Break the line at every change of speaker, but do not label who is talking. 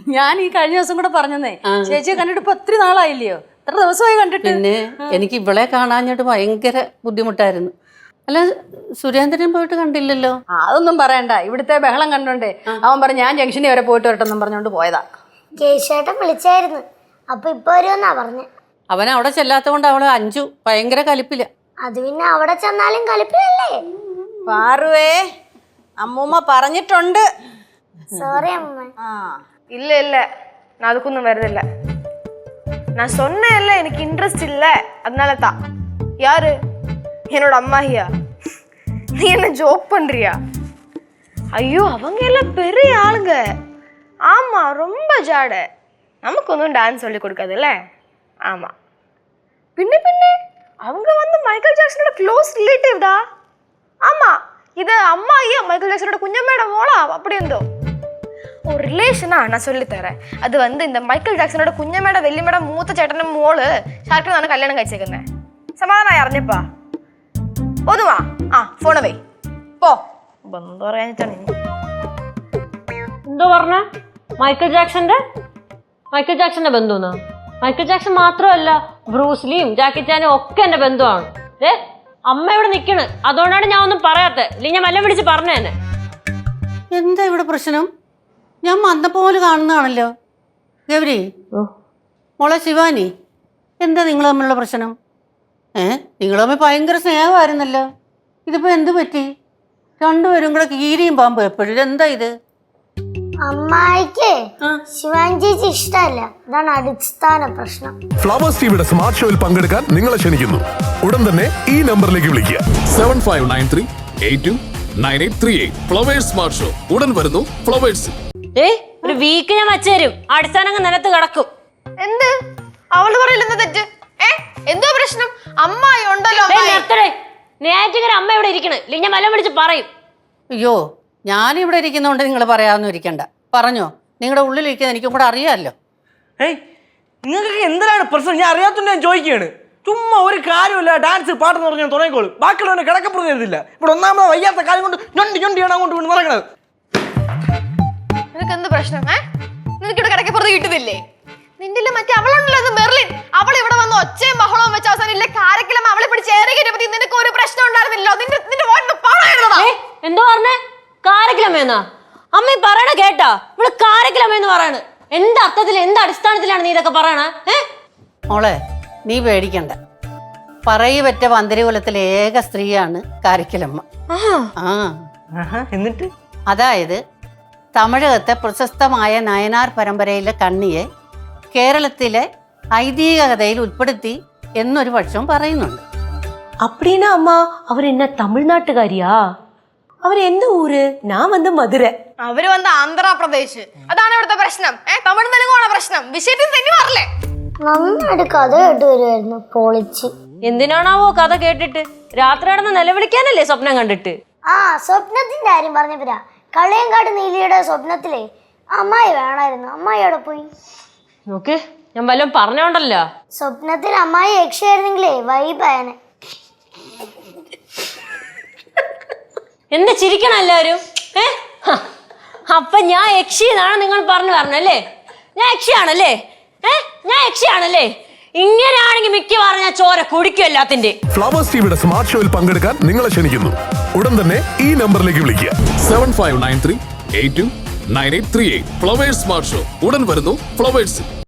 ഞാൻ ഈ കഴിഞ്ഞ ദിവസം കൂടെ പറഞ്ഞേ ചേച്ചിയെ കണ്ടിട്ട് ഇപ്പൊ ഒത്തിരി നാളായില്ലയോ? എത്ര ദിവസമായി കണ്ടിട്ട്?
പിന്നെ എനിക്ക് ഇവളെ കാണാഞ്ഞിട്ട് ഭയങ്കര ബുദ്ധിമുട്ടായിരുന്നു. അല്ല, സുരേന്ദ്രൻ പോയിട്ട് കണ്ടില്ലല്ലോ?
അതൊന്നും പറയണ്ട, ഇവിടുത്തെ ബഹളം കണ്ടോണ്ടേ അവൻ പറഞ്ഞു ഞാൻ ജംഗ്ഷനിൽ വരെ പോയിട്ട് വരട്ടെന്നും പറഞ്ഞോണ്ട് പോയതാ.
കേശേട്ടൻ വിളിച്ചായിരുന്നു, അപ്പൊ ഇപ്പൊ വരുമെന്നാ പറഞ്ഞ.
അവൻ അവിടെ ചെല്ലാത്ത കൊണ്ട് അവള് അഞ്ചു ഭയങ്കര കലിപ്പില്ല.
അത് പിന്നെ അവിടെ ചെന്നാലും കലിപ്പില്ലല്ലേ?
പാറുവേ, അമ്മൂമ്മ പറഞ്ഞിട്ടുണ്ട്.
സോറി അമ്മ.
இல்ல இல்ல, நான் அதுக்கும் வருதில்ல. நான் சொன்னேன்ல எனக்கு இன்ட்ரெஸ்ட் இல்ல, அதனால தான். யாரு? என்னோட அம்மாஹியா? நீ என்ன ஜோக் பண்றியா? ஐயோ, அவங்க எல்லாம் பெரிய ஆளுங்க. ஆமா, ரொம்ப ஜாட. நமக்கு ஒன்றும் டான்ஸ் சொல்லி கொடுக்காதுல்ல. ஆமா, பின்ன பின்ன அவங்க வந்து மைக்கேல் ஜாக்சனோட க்ளோஸ் ரிலேட்டிவ் டா. ஆமா, இது அம்மாஹியா மைக்கேல் ஜாக்சனோட குஞ்சமேட மோளா அப்படி இருந்தோ ஒரு ரிலேஷனா. நான் சொல்லித்தரேன். அது வந்து இந்த மைக்கேൽ ജാക്സനോட കുഞ്ഞമ്മയുടെ വെല്ലിമ്മയുടെ മൂത്ത ചേട്ടനും മോള് ഷാർക്കിനാണ് കല്യാണം കഴിച്ചേക്കുന്നത്. സമാധാനമായി അറിഞ്ഞപ്പാ ഒന്നുവാ. ആ ഫോണ് വേ പോ. ബന്ധം പറയാനിട്ടാണ്
എന്തോ പറഞ്ഞ? മൈക്കൽ ജാക്സന്റെ ബന്ധുന്ന്? മൈക്കൽ ജാക്സൺ മാത്രമല്ല, ബ്രൂസ്ലിയും ജാക്കി ചാനും ഒക്കെ എന്റെ ബന്ധുവാണ്. അമ്മ ഇവിടെ നിക്കണ്, അതുകൊണ്ടാണ് ഞാൻ ഒന്നും പറയാത്തത്. ഇല്ലെങ്കിൽ ഞാൻ വല്ലതും വിളിച്ച് പറഞ്ഞു തന്നെ.
എന്താ ഇവിടെ പ്രശ്നം? ഞാൻ വന്നപ്പോലെ കാണുന്നതാണല്ലോ. ഗൗരി, മോളെ ശിവാനി, എന്താ നിങ്ങൾ തമ്മിലുള്ള പ്രശ്നം? നിങ്ങൾ തമ്മിൽ ഭയങ്കര സ്നേഹമായിരുന്നല്ലോ. ഇതിപ്പോ എന്ത് പറ്റി? രണ്ടുപേരും കൂടെ കീരിയും പാമ്പും എപ്പോഴും. ഇതെന്താ ഇത്?
അമ്മായിക്ക് ശിവാനി ചേച്ചി ഇഷ്ടമല്ല, അതാണ് അടിസ്ഥാന പ്രശ്നം.
ഫ്ലവേഴ്സ് ടിവിയുടെ സ്മാർട്ട് ഷോയിൽ പങ്കെടുക്കാൻ നിങ്ങളെ ക്ഷണിക്കുന്നു. ഉടൻ തന്നെ ഈ നമ്പറിലേക്ക് വിളിക്കുക. 7593829838. ഫ്ലവേഴ്സ് സ്മാർട്ട് ഷോ ഉടൻ വരുന്നു ഫ്ലവേഴ്സ്.
ഒരു വീക്ക് ഞാൻ വച്ചുതരും. അടിസ്ഥാനം നിലത്ത് കിടക്കും.
എന്ത് അവള് പറയില്ലെന്ന് തെറ്റ്? എന്തോ പ്രശ്നം? അമ്മായി ഉണ്ടല്ലോ.
നേറ്റിങ്ങനെ അമ്മ ഇവിടെ ഇരിക്കണ്, ഇല്ലെങ്കിൽ ഞാൻ വല്ലതും വിളിച്ച് പറയും.
അയ്യോ, ഞാനിവിടെ ഇരിക്കുന്നതുകൊണ്ട് നിങ്ങൾ പറയാമെന്നും ഇരിക്കണ്ട. പറഞ്ഞോ, നിങ്ങളുടെ ഉള്ളിലിരിക്കുന്നത് എനിക്കും കൂടെ അറിയാമല്ലോ.
നിങ്ങൾക്ക് എന്തിനാണ് പ്രശ്നം? ഞാൻ അറിയാത്തതുകൊണ്ട് ഞാൻ ചോദിക്കുകയാണ്. ചുമ്മാ ഒരു കാര്യമില്ല, ഡാൻസ് പാട്ടെന്ന് പറഞ്ഞാൽ തുടങ്ങിക്കോളും. ബാക്കിയുള്ളവനെ കിടക്കപ്പുറത്ത് തരുന്നില്ല. ഇവിടെ ഒന്നാമത് വയ്യാത്ത കാര്യം കൊണ്ട് ഞൊണ്ടിയാണ് അങ്ങോട്ട് കൊണ്ട് നടക്കണത്.
നിനക്ക് എന്ത് പ്രശ്നം? നിനക്ക് ഇവിടെ കിടക്കപ്പുറത്ത് കിട്ടുന്നില്ലേ? നിന്റെ മറ്റേ അവളുണ്ടല്ലോ, മെർലിൻ. അവൾ ഇവിടെ വന്ന് ഒച്ചയും ബഹളവും വെച്ച അവസാനം ഇല്ല കാരക്കലം അവളെ പിടിച്ച് ഏറെ കയറ്റപ്പറ്റി നിനക്ക് ഒരു പ്രശ്നം ഉണ്ടായിരുന്നില്ലോ.
എന്തോ പറഞ്ഞേ? കാരക്കലമ്മയെന്നാ? അമ്മ പറയണ കേട്ടാ? ഇവിടെ കാരക്കലമ്മയെന്ന് പറയണ്. എന്ത് അർത്ഥത്തിൽ, എന്ത് അടിസ്ഥാനത്തിലാണ് നീ ഇതൊക്കെ പറയണേ?
മോളെ, നീ പേടിക്കണ്ട. പറയപ്പെട്ട പന്തരികുലത്തിലെ ഏക സ്ത്രീയാണ് കാരക്കലമ്മ.
എന്നിട്ട്
അതായത് തമിഴകത്തെ പ്രശസ്തമായ നയനാർ പരമ്പരയിലെ കണ്ണിയെ കേരളത്തിലെ ഐതിഹ്യ കഥയിൽ ഉൾപ്പെടുത്തി എന്നൊരു പക്ഷം പറയുന്നുണ്ട്.
அப்படின்னா அம்மா அவர் என்ன தமிழ்நாட்டுக்காரியா? அவர் எந்த ஊரு? நான் வந்து மதுரை.
അവര് വന്ന് ആന്ധ്രാപ്രദേശ്. അതാണ് ഇവിടുത്തെ പ്രശ്നം. തമിഴ് തെലുങ്കാണ് പ്രശ്നം. വിഷയത്തിൽ തന്നെ പറഞ്ഞേ.
നന്നായിട്ട് കഥ കേട്ട് വരുമായിരുന്നു, പൊളിച്ച്.
എന്തിനാണാവോ കഥ കേട്ടിട്ട്? രാത്രി നടന്ന് നിലവിളിക്കാനല്ലേ സ്വപ്നം കണ്ടിട്ട്?
സ്വപ്നത്തിന്റെ കാര്യം പറഞ്ഞപ്പോരാ, കളയങ്കാട് നീലിയുടെ സ്വപ്നത്തിലെ അമ്മായി വേണമായിരുന്നു. അമ്മായി അവിടെ പോയി.
നോക്ക്, ഞാൻ വല്ലതും പറഞ്ഞോണ്ടല്ലോ.
സ്വപ്നത്തിൽ അമ്മായി യക്ഷയായിരുന്നെങ്കിലേ വൈബായനെ.
എന്താ ചിരിക്കണം എല്ലാവരും? അപ്പൊ ഞാൻ യക്ഷിന്നാണ് നിങ്ങൾ പറഞ്ഞല്ലേ? ഞാൻ യക്ഷിയാണല്ലേ? ഞാൻ യക്ഷിയാണല്ലേ? ഇങ്ങനെയാണെങ്കിൽ മിക്കവാറും ഞാൻ ചോര കുടിക്കും എല്ലാത്തിന്റെ.
ഫ്ലവേഴ്സ് ടിവിയുടെ സ്മാർട്ട് ഷോയിൽ പങ്കെടുക്കാൻ നിങ്ങളെ ക്ഷണിക്കുന്നു. ഉടൻ തന്നെ ഈ നമ്പറിലേക്ക് വിളിക്കുക. 7593829838. ഫ്ലവേഴ്സ് സ്മാർട്ട് ഷോ ഉടൻ വരുന്നു ഫ്ലവേഴ്സ്.